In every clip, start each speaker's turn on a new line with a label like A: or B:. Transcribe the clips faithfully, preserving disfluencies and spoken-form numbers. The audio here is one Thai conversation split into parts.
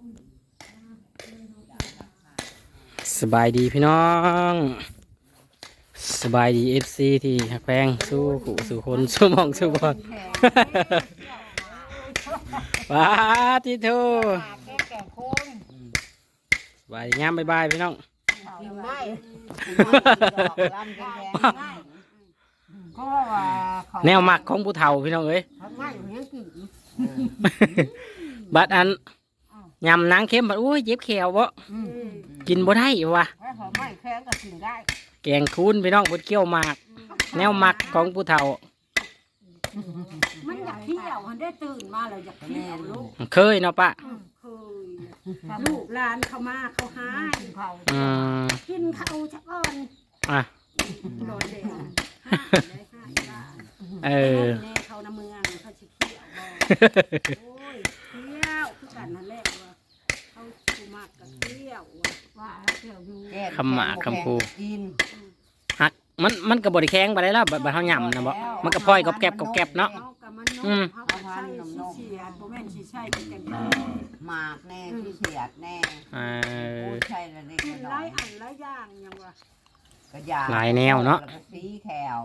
A: สบายดีพี่น้องสบายดีเอฟซีที่หักแพงสู้ขู่สู้คนสู้มองสู้บอลว้าที่ทูสบายงามบายบายพี่น้องแนวหมักของผู้เฒ่าพี่น้องเอ้ยบัดอันยำนางเข้มบัดอุ้ยเจ็บแขวบ่กินบ่ได้วะแกงคูนพี่น้องบดเกี้ยวหมากแนวหมักของผู้เฒ่า
B: มันอยากเที่ยวมันได้ตื่นมาแล้วอยากเที่ยวลูก
A: เคยเนาะปะ
B: เคยลูกหลานเขามาเขาหากินเขากินเขาชักอ่อน
A: อ่ะ
B: โดนเด็ก
A: เออ
B: เขาในเมืองเขาชิเที่ยวโอ้ยเที่ยวคือกันนั่นแหละว่าเขาคูมากกับเที่ยวว่าเที่ยวอยู่
A: คำหมากคำคูฮักมันมันกับบริแข้งไปได้แล้วบัดเฮาหย่ำนะบ่มันก็พลอยกับแก็บกับแก็บเนาะ
B: อืมเขาใช้เสียดโมเมนต์ใช้เป็นกัน
C: หมากแน่ที่เสียดแน่
A: เออ
C: ใช่แล้วนี่
B: หลายอันหลายอย่างยังวะ
A: หลายแนวเนาะ
C: สีแขว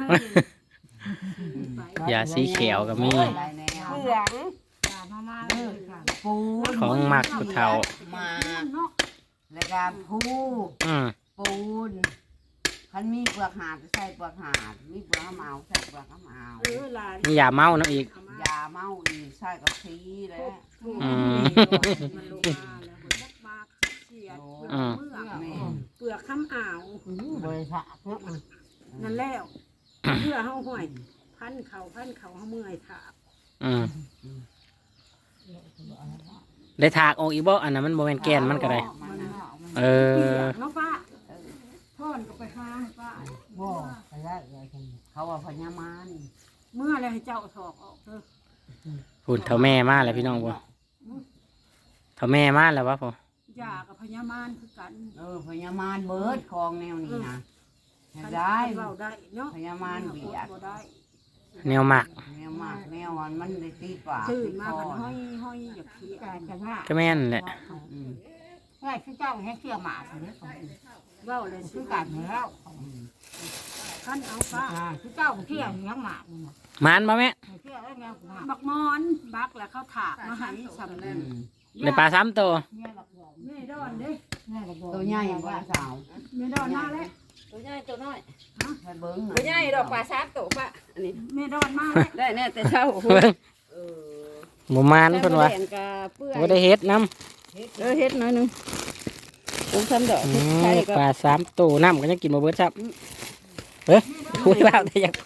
A: อย่าสีเขียวก็มี
B: เหลือง
C: ปู
A: ของหมักผู้เฒ่า
C: หมากแล้วก็ปูปูนคันมีเปลือกหาดใส่เปลือกหาดมีเปลือกเมาใส่เปลือกเมา
A: มียาเมาเนาะอีก
C: ยาเมาอีกใส่กับสีแล้ว
B: มันลงมาแล้วมันยักมากเสียดเปลือกข้ามอ่าว
C: บริษัท
B: นั่นแล้วเพื่อเฮาห้อยพันเขาพันเขาเฮาเมื่อยถาก
A: อืมได้ถากออกอีกบ่อันนั้นมันโมเมนแกนมันก็ได้เออ
B: เนาะป้าท่อนก็ไปหาป้า
C: บ่ไปได้เขาว่าพญามาร
B: เมื่อไรให้เจ้าถอกออกเถอะ
A: พูดเท่าแม่มาแล้วพี่น้องบ่เท่าแม่มาแล้ววะพ่
B: อยากกับพญามารคือกัน
C: เออพญามารเบิดคลองแนวนี้นะได้
B: เราได้เนาะ
C: พญามารเบียด
A: แนวหมัก
C: แนวหมักแนวมันมันได้ตีปาก
B: ตื่นมากันห้อยห้อยอยากเที่ยวกันว่า
A: ก็แม่นแหละ
B: ง่ายคือเจ้าให้เที่ยวหมาเลยเว้าเลยคือกันแล้วขั้นเอาป้าคือเจ้าเที่ยวยังหมา
A: มันบ่แม่
B: บักมอนบักแล้วเขาถากมาให้สำเร็จ
A: ในปลาซ้ำตัว
B: นี่ดอนดิ
C: ตัวใหญ่กว่าสาว
B: นี่ดอนมาเลย
D: ตัวใหญ่ตัวน้อย
C: ฮะเบิ้ง
D: ตัวใหญ่ดอกปลาซับตัวปะอันนี้
B: นี่ดอนมาเลย
D: ได้แน่แต่เช้า
A: เออหมูมันเพิ่นว่าบ่ได้เฮ็ดน้
D: ำเออเฮ็ดหน่อยนึงต้องทำดอก
A: ปลาซ้ำตัวน้ำก็ยังกินบ่เบิดซับเฮ้ยคุยบ้าได้อยากไป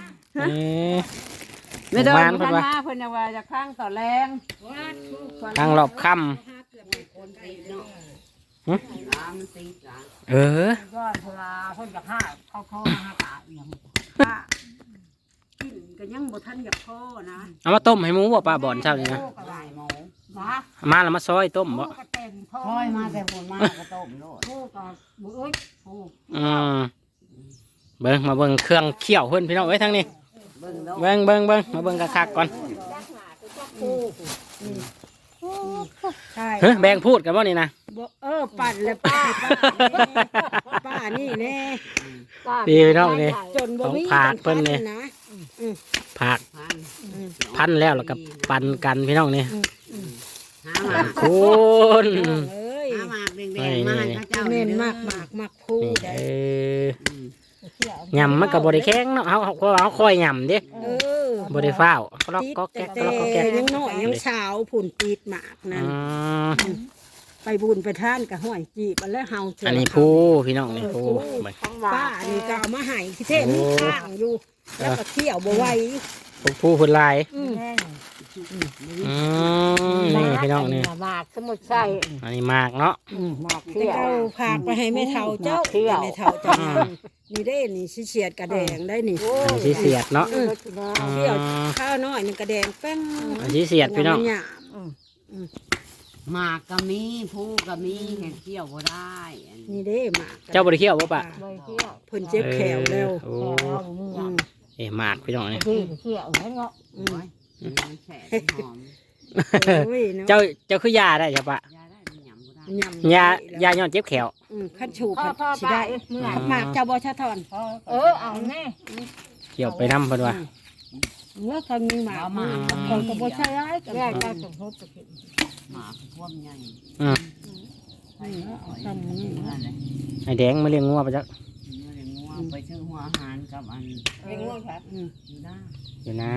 D: ไม่โดนพันมาเพิ่นว่าจะข้างต่อแรง
A: ทางรอบค่ำเออ
B: ก็เวลาเพิ่นจะฆ่าเขาโทษมาตาอย่างป้ากินก็ยังบ่ทันอยากพ่อนะ
A: เอามาต้มให้หมูบ่ปลาบ่อนเช้านี่นะมาแล้วมาซอยต้มบ่
C: ซอยมาแต่ผลมากระต้มโลด
B: พ่อก็บ่เอ้ยพ่อ
A: อืมเบิ่งมาเบิ่งเครื่องเคี่ยวเพิ่นพี่น้องเอ้ยทางนี้เบิ่งเบิ่งเบิ่งมาเบิ่งคักๆก่อนเฮ้ยแบ่งพูดกันบ่นี่นะ
B: เออปั่นเลยป้าป้านี่แน่
A: ดีพี่น้องนี่ของผักเพิ่นนี่ผักพันแล้วแล้วก็ปั่นกันพี่น้องนี่คุณ
C: เอ้ยหมากแดงๆมาให้เจ้า
B: เน้นมากหมากหมากพูด
A: เออยำมันกับบริแข้งเนาะเขาเขาคอยยำดิบริฟ้าวก็ล็อกก็แก๊กก็ล็อกก็แก๊ก
B: ยังน้อยยังเช้าผุ่นปีดหมากนั่นไปบุญไปท่านกับห้อยจีบแล้วเฮา
A: อันนี้ผู้พี่น้องนี่ผู้
B: ป้านี่ก็เอามาให้ที่เท่นี่ข้างอยู่แล้วก็เที่ยวบ่ไหว
A: ผู้ผู้คนลายนี่พี่น้องนี่
B: หมากสมุดใส่
A: อันนี้หมากเนาะ
B: หมากเที่ยวพากไปให้แม่เฒ่าเจ้าแม่เฒ่าเจ้านี่ได้นี่สิเสียดกระแดงได้นี่
A: อันนี้สิเสียดเนาะ
B: เที่ยวข้าวน้อยนี่กระแดงแป้ง
A: อันนี้เสียดพี่น้อง
C: หมากก็มีผู้ก็มีเห็ดเที่ยวก็ได้
B: นี่ได้หมาก
A: เจ้าบริเที่ยวบ่ปะ
B: เพิ่นเจ็บแขวแล้ว
A: เอ๊ะหมากพี่น้องนี่
B: เที่ยวแล้วเนาะโอ้ยเนาะ
A: เจ้าเจ้าคือยาได้ใช่ปะ
C: ยาได้มันหยำบ่ได้
B: ยำ
A: ยายาย้อนเจ็บแขว
B: อืมขั้นชูขั้น
E: พ่อ
B: สิ
E: ไป
B: ได้
E: เมื่อ
B: หมากเจ้าบ่ชะทอน
E: เออเอาแน่
A: เกี่ยวไปน้ำเพิ่นว่า
B: เมื่อคนมีหมากมาคนก็บ่ใช่ร้ายก็
E: แร
B: ได้
E: ก
B: ก็
E: ก็สมทบจะเห็น
C: หมาคือท่วมใหญ่
A: อืม
B: เอาซ้ำนี่
C: นั่นแหละ
A: ไอ้แดงมาเลี้ยงงัวไปจัก
C: เมื่อเลี้ยงงัวไปซื้อหัวอาหารกับอัน
E: เลี้ยงง่วงครับ
B: อืม
C: อยู่หน้า
A: อยู่นะ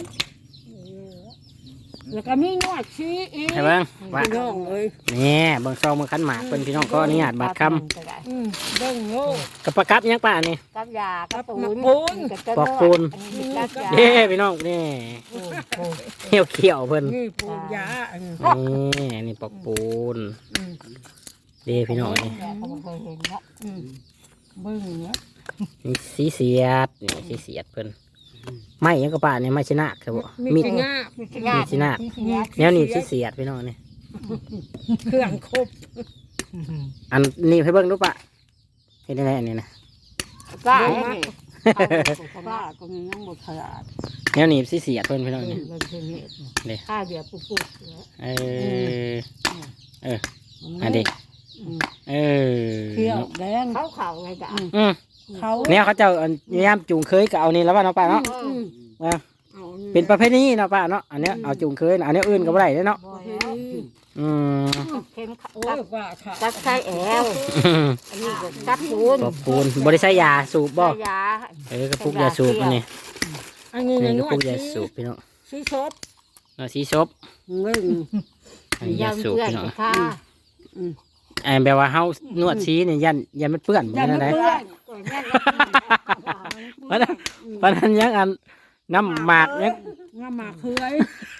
B: แล้วก็มีนวดชี้อีก
A: ให้เบิ่งว่า
B: พี่น้องเอ้ย
A: นี่เบิ่งซองมือคันหมากเพิ่นพี่น้องก็อนุญาตบาดค
B: อืมเบิ่งโลก
A: ำกับประกับยังป่ะนี่
E: กับยากับปู
B: กับ
E: น
B: ปูน
A: ปอกปูน
E: กับยา
A: เด้พี่น้องนี่เขียวเขียวๆเพิ่น
B: นี่ปูนยาอันนี้
A: นี่นี่ปอกปูน
B: อืม
A: เด้พี่น้องนี่
E: เขาเคยเห็นเนาะ
B: อืมเบิ่งเนาะ
A: นี่สีเสียดนี่สีเสียดเพิ่นไม่ยังก็ป่ะนี่ไม่ชนะครับบ่
B: มี
A: มี
B: แต่งา
E: มีขยะ
A: สินะ
E: มีขยะ
A: แนวนี้สีเสียดพี่น้องนี่
B: เครื่องครบ
A: อันนี้ให้เบิ่งดูป่ะเฮ็ดได้ไงอันนี้นะ
E: ป้า
B: เบิ่ง
E: เนี่
B: มาย ป้าก็มียังบ่ขลาด
A: แนวนี้สีเสียดเพิ่นพี่น้องนี่
B: เบิ่งเพิ่นเฮ็ด
A: เด้
B: ข้าเดียวปุ๊บๆ
A: เออเอออันนี้เออ
B: เที่ยวแดง
E: เขาเขาไงจ้ะ
A: อืม
B: เขา
A: เนี่ยเขาเจ้าอันยามจูงเคยก็เอานี่แล้วว่าเนาะป้าเนาะ
B: อืม
A: ว่า
B: เอา
A: เป็นประเภทนี้เนาะป้าเนาะอันเนี้ยเอาจูงเคยอันเนี้ยอื่นก็บ่ได้เด้อเนาะ
E: บ่แล้ว
A: อืม
E: เข็มขัด
B: โอ้ยว่าค่ะ
E: กับไส้แอวอันนี้ก็กับปูน
A: ปอกปูนบ่ได้ใช้ยาสูบบ่
E: ใส่ยา
A: เออกระปุกยาสูบอันนี้
B: อันนี้
A: นี่
B: น
A: กระ
B: ว
A: ปุ
B: ด
A: กยา
B: ที่
A: สูบพี่น้อง
B: สีซบ
A: เอาสีซบ
B: เบิ่ง
A: อันนี้
E: ยาย
A: าสูบ
E: เพื่อน
A: พี่น้อง
E: ค่ะ
A: ไอ้แบบว่าเฮานวดสีนี่ยันยันมันเปื้อนบ่
B: อย่า
A: นั่
B: มาน
A: ได้
B: เปื้อน
E: ก่อนแม่
A: เพราะนั้นเพราะนั้นยังอันน้ำหมากยัง
B: งามาเคย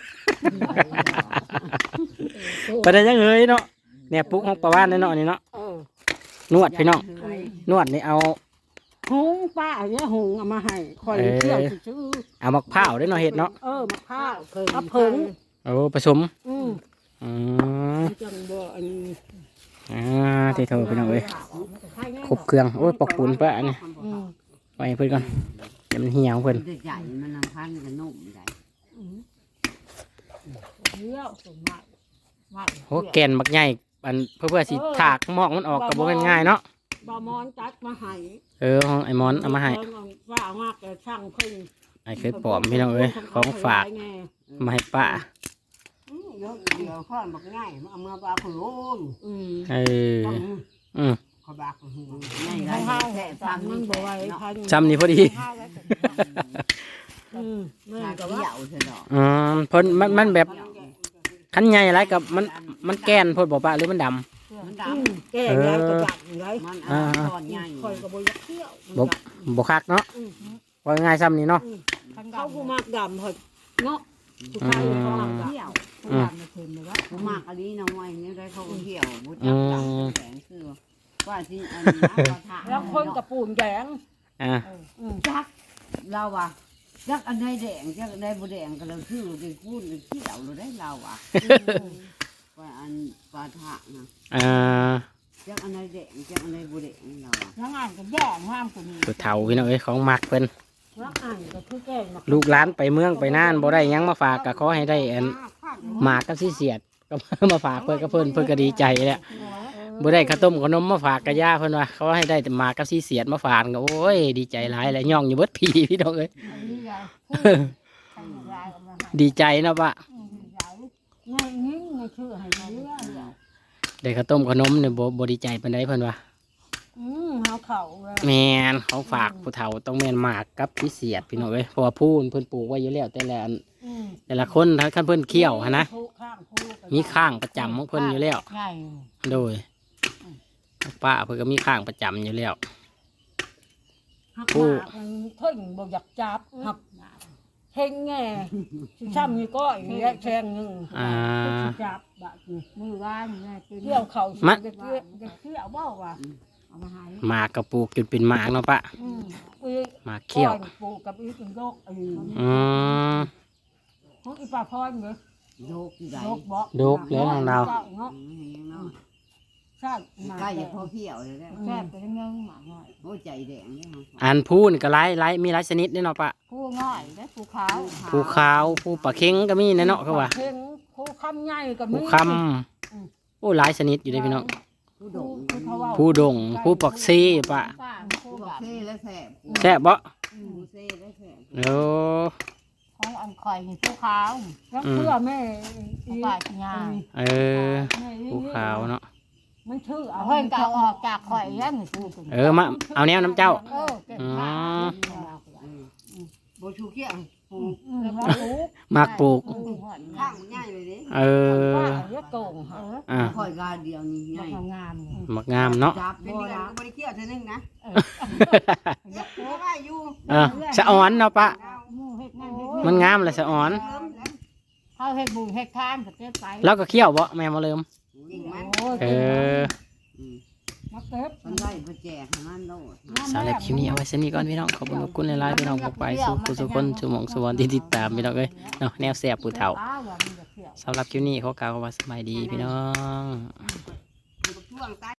A: เพราะนั้นยังเฮ้ยเนาะเนี่ยปุ๊กของประวานเนาะนี่เนาะ
E: เออน
A: วดพี่น้องนวดนี่เอา
B: หุงป้าเนี่ยหุงเอามาให้คอยเที่ยวซื้อ
A: เอามะพร้าวด้วยเนาะเฮ็ดเนาะ
B: เออมะพร้าว
E: เคย
B: มะเพิง
A: เอาผสม
B: อืม
A: อืม
B: จังบ่อันนี้
A: อ่าที่เธอพี่น้องเอ้ยครบเครื่องโอ้ยปอกปูนเปะอันนี้
B: อืม
A: ไว้ให้เพิ่นก่อนเดี๋ยวมันเหี่ยวเพิ่น
C: เด็กใหญ่มันนำพันธุ์กันนุ่มใหญ่
E: เที่ยวสมมากมาก
A: โอ้แกนบักใหญ่อันเพื่อเพื่อสิถากหมอกมันออกก็บ่แม่นง่ายเนาะ
B: บ่มอนจัดมาให้
A: เออของไอ้มอนเอามาให้
B: ว่าเอามากแต่ช่างเพิ่น
A: ไอ้เคยปลอมพี่น้องเอ้ยของฝากมาให้ป้า
B: อืมเดี๋ยวเดี๋ยวข้อนบักง่ายเอามาบาขลุ่มอืม
A: เอออืม
B: ขอบากหู
C: ใหญ่
B: ให้
C: ไร
B: เฮา
C: แค่
B: ตาม
C: ทำ
B: มั
C: นี่
B: นบ่
C: แค่
B: ไหว
C: เนาะ
B: พัน
A: จำนี่พอดี
B: อืมแม่
C: ทา
B: ก็
C: เกี่
B: ว่า
C: ยวเถอะดอก
A: อืมเพิ่นมันมันแบบคันใหญ่หลายกับมันมันแกนเพิ่นบ่ป้าหรือมันดำ
C: มันด
B: อืมแก่ยายก็ดักไว้
C: ำมันอ่อนตอนใหญ่
B: คอยก็บ่อยากเที่ยว
A: บ่บ่คักเนาะว่าง่ายซ้ำนี่เนาะ
B: เขาผู้มากดำเพิ่นเนาะผู้ชายเขามากดำ
C: เที่ยว
B: ผู้ดำมาเพิ่นเลยว่า
C: ผู้มากอันนี้น้องไว้เนี่ยได้เขาก็เที่ยวบุตรจับจับแสงคือว่าที่อันนี้นะว่าทาง
B: แล้วคนกับปูนแดง
A: อ่า
B: อืม
C: จักเราอ่ะจักอันใดแดงจักอันใดบ่แดงก็เราซื้อได้พูดได้เที่ยวเราได้เราอ่ะว่าอันปลาทะนะ
A: อ่า
C: จักอันใดแดงจักอันใดบ่แดงเราอ่ะ
B: ทั้งอ่านก็แย่งห้ามคนนี้
A: สุดเฒ่าพี่น้องเอ้ยของมักเพิ่น
B: ทั้งอ่านก็คือแก่ง
A: ลูกหลานไปเมืองไปน่านบ่ได้หยังมาฝากก็ขอให้ได้อันหมากกับสิเสียดก็มาฝากเพิ่นก็เพิ่นเพิ่นก็ดีใจแหละบ่ได้ข้าวต้มขนมมาฝากกะย่าเพิ่นว่าเขาให้ได้แต่หมากกับสิเสียดมาฝากก็โอ้ยดีใจหลายแหละย่องอยู่เบิดผีพี่น้องเอ้ย ดีใจเนาะปะ
B: ง่ายยิ่งง่ายชื่อให้เรื่อย
A: ได้ข้าวต้มขนมเนี่ยบ่บ่ดีใจปานใดเพิ่นว่า
B: อืมเฮาเข่าเลย
A: แม่นของฝากผู้เฒ่าต้องแม่นหมากกับสิเสียดพี่น้องเอ้ยเพราะว่าผู้เพิ่นปลูกไว้อยู่แล้วแต่ละอัน
B: อืม
A: แต่ละคนถ้าคันเพิ่นเคี่ยวหันนะ
B: ผู้ข้างผู้ก็
A: มีข้างประจำของเพิ่นอยู่แล้ว
E: ง่าย
A: โดยป้าเพิ่นก็มีข้างประจำอยู่แล้ว
B: หัก
A: ผู้
B: หมากมันเพิ่งบ่อยากจับหักเฮงแง่สิช้ำนี่ก็อีกแยกแทงหนึง
A: อ่า
B: สิจับบัดนี้
E: มือว่านง่ายเป็น
B: เที่ยวเขาสิ
A: มะ
B: จะเที่ยวจะเที่ยวบ่ว่าเอามาให้
A: หมากกระปลูกจนเป็นหมากเนาะปะ
B: อืมอีก
A: หมากเขี้ยว
B: ก้อนปลูกกับอีกเป็นโรคอีก
A: อืม
B: ของอีปลาพรเหรอ
C: โยกอยู่ไหน
B: โรคบ่
A: โรคแล้วของเรา
B: เนาะ
C: อืมเนาะ
B: ชาติมา
C: ใกล้จะพอเที่ยวเลยแล้ว
E: แซ่บเป็นเงี้ยหมาง่าย
C: โอ้ใจแดงเนี่ย
A: อันผู้นี่ก็หลายหลายมีหลายชนิดเด้เนาะปะ
E: ผู้ง่ายและผู้ขาว
A: ผู้ขาวผู้ปลาเค็งก็มีแน่เนาะเขาว่า
B: เพ่ง
E: ผู้คำใหญ่กับ
A: ผู้คำโอ้หลายชนิดอยู่เด้พี่น้อง
C: ผู้ดง
A: ผู้ดงผู้ปักซีปะ
C: ผู้บอกเซ่และแสบ
A: แซ่บบ่
C: ผู้เซ่และแสบ
A: โอ้
E: ของอันข่อยนี่ผู้ขาวแล้วเพื่อแม่อีกงาน
A: เออผู้ขาวเนาะ
E: มันชื่อเอาเฮ้ยจะเอาออกจากข่อยยังนี่พูด
A: เออมาเอาแนวน้ำเจ้า
E: เออเก็บผ้า
C: โบชูเกี้ยงปู
E: อืมแล้วปลูก
A: มักปลูก
C: ข้างง่ายเลยดิ
A: เออ
E: ว่าเรียกโก่งเออ
A: อ่า
C: คอยกาเดียวนี่ง่าย
E: งามนี่
A: มักงามเนาะ
C: จับเป็นเดือนก็บริเกี้ยวเท่านึงนะ
E: เออ
C: เยอะเพราะว่าอยู่
A: เออสะอ่อนเนาะปะ
E: มูเฮ็ดนั่นเฮ็ด
A: มันงามเลยสะอ่อน
C: เริ่มแล้ว
E: เขาเฮ็ดบุญเฮ็ดทานก็เก็บไป
A: แล้วก็เคี่ยวบ่แม่มาเริ่ม
C: ยิงมัน
E: โอ้ย
A: เออ
E: มาเก็บ
C: มันได้ประแจกมันโลด
A: สำหรับคลิปนี้เอาไว้สนี้ก่อนพี่น้องขอบคุณขอบคุณหลายๆพี่น้องพกไปสู่ผู้สุคนสู่หมองสวรรค์ที่ติดตามพี่น้องเอ้ยเนาะแนวแซ่บผู้เฒ่า
E: ป้าว่ามันจะเที่ยว
A: สำหรับคลิปนี้ขอกล่าวคำว่าสบายดีพี่น้อง
C: ช่วงใต้